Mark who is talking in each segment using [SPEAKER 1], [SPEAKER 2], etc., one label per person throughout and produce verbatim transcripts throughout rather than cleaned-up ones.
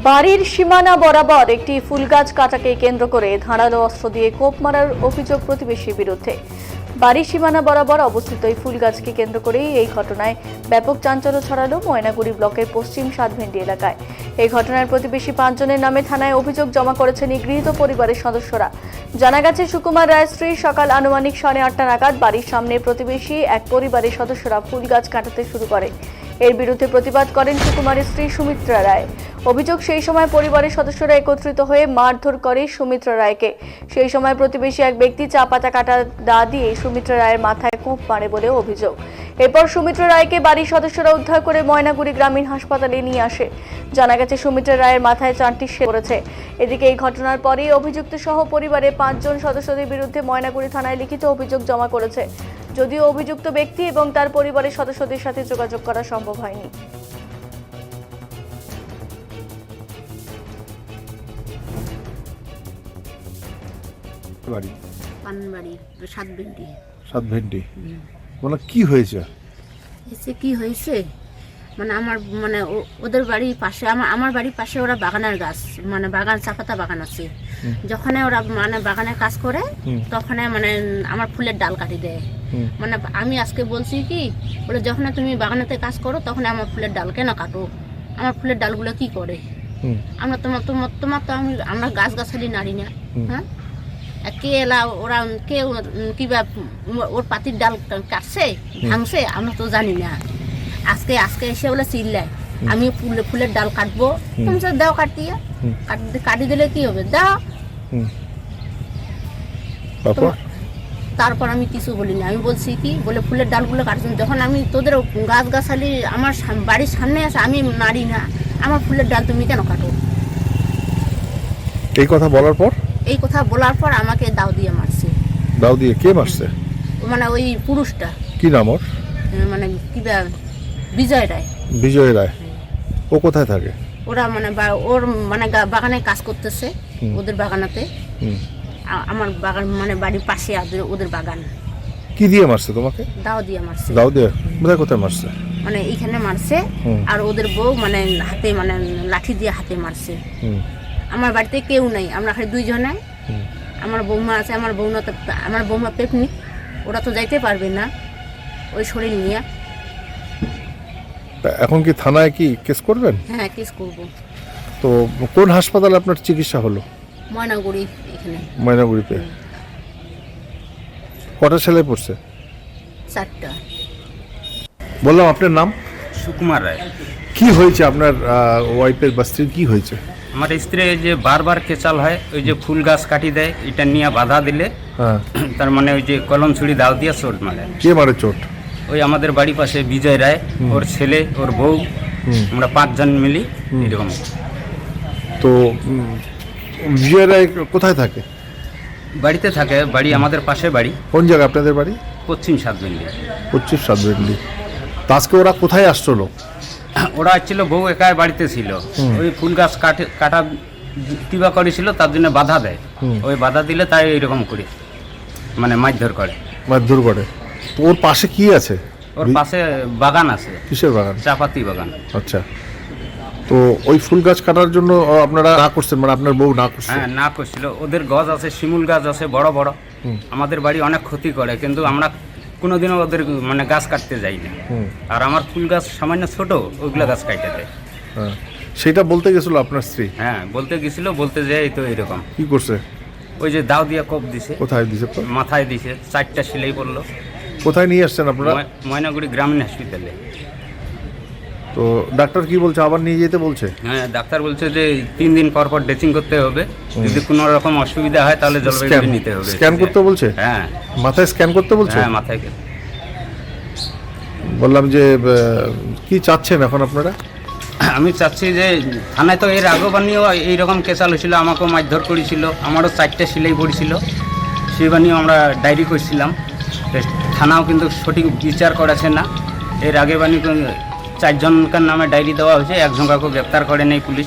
[SPEAKER 1] বাড়ির সীমানা বরাবর একটি ফুল গাছ কাটাকে কেন্দ্র করে ধারালো অস্ত্র দিয়ে কোপ মারার অভিযোগ প্রতিবেশীর বিরুদ্ধে। বাড়ির সীমানা বরাবর অবস্থিত এই ফুল গাছকে কেন্দ্র করেই এই ঘটনায় ব্যাপক চাঞ্চল্য ছড়ালো ময়নাগুড়ি ব্লকের পশ্চিম সাতভেন্ডি এলাকায়। এই ঘটনায় প্রতিবেশী পাঁচজনের নামে থানায় অভিযোগ জমা করেছেন নিগৃহীত পরিবারের সদস্যরা। জানা গেছে, সুকুমার রায়ের স্ত্রী সকাল আনুমানিক সাড়ে আটটা নাগাদ বাড়ির সামনে প্রতিবেশী এক পরিবারের সদস্যরা ফুল গাছ কাটাতে শুরু করে। এর বিরুদ্ধে প্রতিবাদ করেন সুকুমারের স্ত্রী সুমিত্রা রায়। অভিযোগ, সেই সময় পরিবারের সদস্যরা একত্রিত হয়ে মারধর করে সুমিত্রা রায়কে। সেই সময় প্রতিবেশী এক ব্যক্তি চা পাতা কাটা দা দিয়ে সুমিত্রা রায়ের মাথায় কোপ মারে বলে অভিযোগ। এরপর সুমিত্রা রায়কে বাড়ির সদস্যরা উদ্ধার করে ময়নাগুড়ি গ্রামীণ হাসপাতালে নিয়ে আসে। জানা গেছে, সুমিত্রা রায়ের মাথায় চারটি শেল পড়েছে। এদিকে এই ঘটনার পরেই অভিযুক্ত সহ পরিবারের পাঁচজন সদস্যদের বিরুদ্ধে ময়নাগুড়ি থানায় লিখিত অভিযোগ জমা করেছে। যদিও অভিযুক্ত ব্যক্তি এবং তার পরিবারের সদস্যদের সাথে যোগাযোগ করা সম্ভব হয়নি।
[SPEAKER 2] বাড়ি
[SPEAKER 3] পানবাড়ি সাতভেন্ডি।
[SPEAKER 2] সাতভেন্ডি মানে কি হয়েছে?
[SPEAKER 3] এসে কি হয়েছে মানে আমার মানে ও- ওদের বাড়ির পাশে আমার আমার বাড়ির পাশে ওরা বাগানের গাছ মানে বাগান চাপাতা বাগান আছে। যখন ওরা মানে বাগানে কাজ করে তখন মানে আমার ফুলের ডাল কাটি দেয়। মানে আমি আজকে বলছি কি বলে, যখন তুমি বাগানেতে কাজ করো তখন আমার ফুলের ডাল কেন কাটো? আমার ফুলের ডালগুলো কি করে? আমরা তোমার তোমার তোমার তো আমি আমরা গাছ গাছালি নাড়ি না। হ্যাঁ, কে এলা ওরা কে কিবা ওর পাতির ডাল কাটছে ভাঙছে আমরা তো জানি না। আজকে আজকে এসে বলে চিল্লায় আমি ফুলে ফুলের ডাল কাটবো, তুমি স্যার দাও কাটিয়ে কাটি কাটি দিলে কি হবে দাও। তারপর আমি কিছু বলি না, আমি বলছি কি বলে ফুলের ডালগুলো কাটছেন, যখন আমি তোদের গাছ গাছালি আমার সাম- বাড়ির সামনে আছে আমি নাড়ি না, আমার ফুলের ডাল তুমি কেন কাটো?
[SPEAKER 2] এই কথা বলার পর
[SPEAKER 3] এই কথা বলার পর আমাকে দাও দিয়ে মারছে।
[SPEAKER 2] দাও দিয়ে কে মারছে?
[SPEAKER 3] মানে ওই পুরুষটা
[SPEAKER 2] কি নাম ওর?
[SPEAKER 3] মানে কি বিজয় রায়।
[SPEAKER 2] বিজয় রায়। ও কোথায় থাকে?
[SPEAKER 3] ওরা মানে বা- ওর মানে গা- বাগানে কাজ করতেছে ওদের বাগানাতে।
[SPEAKER 2] হুম।
[SPEAKER 3] আ- আমার বাগান মানে বাড়ির পাশে ওদের- ওদের বাগান।
[SPEAKER 2] কি দিয়ে মারছে তোমাকে?
[SPEAKER 3] দাও দিয়ে মারছে।
[SPEAKER 2] দাও দিয়ে কোথায় কোথায় মারছে?
[SPEAKER 3] মানে এইখানে মারছে
[SPEAKER 2] হুম।
[SPEAKER 3] আর ওদের বউ মানে হাতে মানে লাঠি দিয়ে হাতে মারছে।
[SPEAKER 2] হুম।
[SPEAKER 3] আমার বাড়িতে কেউ নাই, আমরা খালি দুইজনে।
[SPEAKER 2] হুম।
[SPEAKER 3] আমার বৌমা আছে, আমার বৌমা তো আমার বৌমা পিকনিক, ওরা তো যাইতে পারবে না ওই শরীর নিয়ে।
[SPEAKER 2] তা এখন কি থানায় কি কেস করবেন?
[SPEAKER 3] হ্যাঁ, কেস করবো।
[SPEAKER 2] তো কোন হাসপাতালে আপনার চিকিৎসা হলো?
[SPEAKER 3] ময়নাগুড়ি এখানে
[SPEAKER 2] ময়নাগুড়িতে। কটা ছেলে পড়ছে?
[SPEAKER 3] চারটা।
[SPEAKER 2] বললাম আপনার নাম?
[SPEAKER 4] সুকুমার রায়।
[SPEAKER 2] কি হয়েছে আপনার ওয়াইফের বা স্ত্রীর কি হয়েছে?
[SPEAKER 4] আমার স্ত্রী এই যে বারবার কেচাল হয়, ওই যে ফুল গাছ কাটি দেয়, এটা নিয়ে বাধা দিলে
[SPEAKER 2] হ্যাঁ।
[SPEAKER 4] তার মানে ওই যে কলম ছুরি দাও দিয়ে চোট মারে।
[SPEAKER 2] কে মারে চোট?
[SPEAKER 4] ওই আমাদের বাড়ি পাশে বিজয় রায়, ওর ছেলে, ওর বউ, আমরা পাঁচজন মিলি এরকম।
[SPEAKER 2] তো উম, বিজয় রায় কোথায় থাকে?
[SPEAKER 4] বাড়িতে থাকে, বাড়ি আমাদের পাশে বাড়ি,
[SPEAKER 2] কোন জায়গায় আপনাদের বাড়ি?
[SPEAKER 4] পশ্চিম সাতভেন্ডি।
[SPEAKER 2] পশ্চিম সাতভেন্ডি। তো আজকে ওরা কোথায় আসলো?
[SPEAKER 4] ওরা ছিল বউ একাই বাড়িতে ছিল, ওই ফুল গাছ কাটে কাটা কিবা করেছিল, তার জন্য বাধা দেয়। ওই বাধা দিলে তাই এইরকম করে মানে মারধর করে,
[SPEAKER 2] মারধর করে। তো ওর পাশে কি আছে?
[SPEAKER 4] ওর পাশে বাগান আছে।
[SPEAKER 2] কিসের বাগান?
[SPEAKER 4] চাপাতি বাগান।
[SPEAKER 2] আচ্ছা। তো ওই ফুল গাছ কাটার জন্য আপনারা না করছেন, মানে আপনার বউ না করছে?
[SPEAKER 4] হ্যাঁ, না করছিল। ওদের গাছ আছে, শিমুল গাছ আছে বড় বড়, আমাদের বাড়ি অনেক ক্ষতি করে, কিন্তু আমরা কোনোদিনও ওদের মানে গাছ কাটতে যাই না। আর আমার ফুল গাছ সামান্য ছোট, ওইগুলো গাছ কাটতে দেয়।
[SPEAKER 2] হ্যাঁ, সেটা বলতে গেছিল আপনার স্ত্রী?
[SPEAKER 4] হ্যাঁ, বলতে গেছিল, বলতে যাই তো এরকম।
[SPEAKER 2] কি করছে?
[SPEAKER 4] ওই যে দাও দিয়ে কোপ দিছে।
[SPEAKER 2] কোথায় দিছে?
[SPEAKER 4] মাথায় দিছে, চারটা সেলাই পড়লো।
[SPEAKER 2] কোথায় নিয়ে আসছেন আপনারা?
[SPEAKER 4] ময়- ময়নাগুড়ি গ্রামীণ হসপিটালে।
[SPEAKER 2] তো ডাক্তার কি বলছে? আবার নিয়ে যেতে বলছে?
[SPEAKER 4] হ্যাঁ, ডাক্তার বলছে যে তিন দিন পর পর ড্রেসিং করতে হবে, যদি কোনো রকম অসুবিধা হয় তাহলে জলপাইগুড়ি নিতে হবে।
[SPEAKER 2] স্ক্যান করতে বলছে?
[SPEAKER 4] হ্যাঁ।
[SPEAKER 2] মাথায় স্ক্যান করতে বলছে?
[SPEAKER 4] হ্যাঁ, মাথায়।
[SPEAKER 2] বললাম যে আহ, কি চাচ্ছেন এখন আপনারা?
[SPEAKER 4] আমি চাচ্ছি যে থানায় তো এর আগেও বানিয়েও এইরকম কেসাল হয়েছিল, আমাকেও মারধর করেছিল, আমারও চারটে সিলাই পড়েছিল, সেই বানিয়েও আমরা ডায়েরি করছিলাম। তো থানাও কিন্তু সঠিক বিচার করেছে না। এর আগে বানিয়ে চারজনকার নামে ডায়েরি দেওয়া হয়েছে, একজনকাকেও গ্রেপ্তার করে নেই পুলিশ।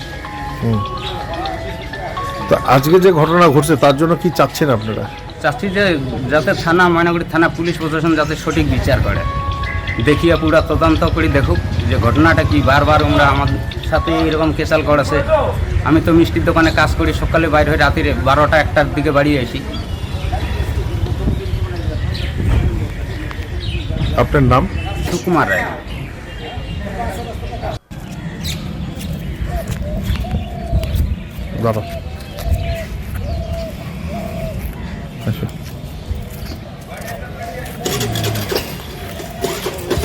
[SPEAKER 2] তো আজকে যে ঘটনা ঘটছে তার জন্য কি চাচ্ছেন আপনারা?
[SPEAKER 4] চাচ্ছি যে যাতে থানা ময়নাগুড়ি থানা পুলিশ প্রশাসন যাতে সঠিক বিচার করে। দেখিয়া পুরা তদন্ত করে দেখুক যে ঘটনাটা কি। বারবার আমরা আমার সাথে এরকম কেসাল করেছে। আমি তো মিষ্টির দোকানে কাজ করি, সকালে বাইরে হয়ে রাতের বারোটা একটার দিকে বাড়ি আসি।
[SPEAKER 2] আপনার নাম?
[SPEAKER 4] সুকুমার রায়।
[SPEAKER 2] দাদা আচ্ছা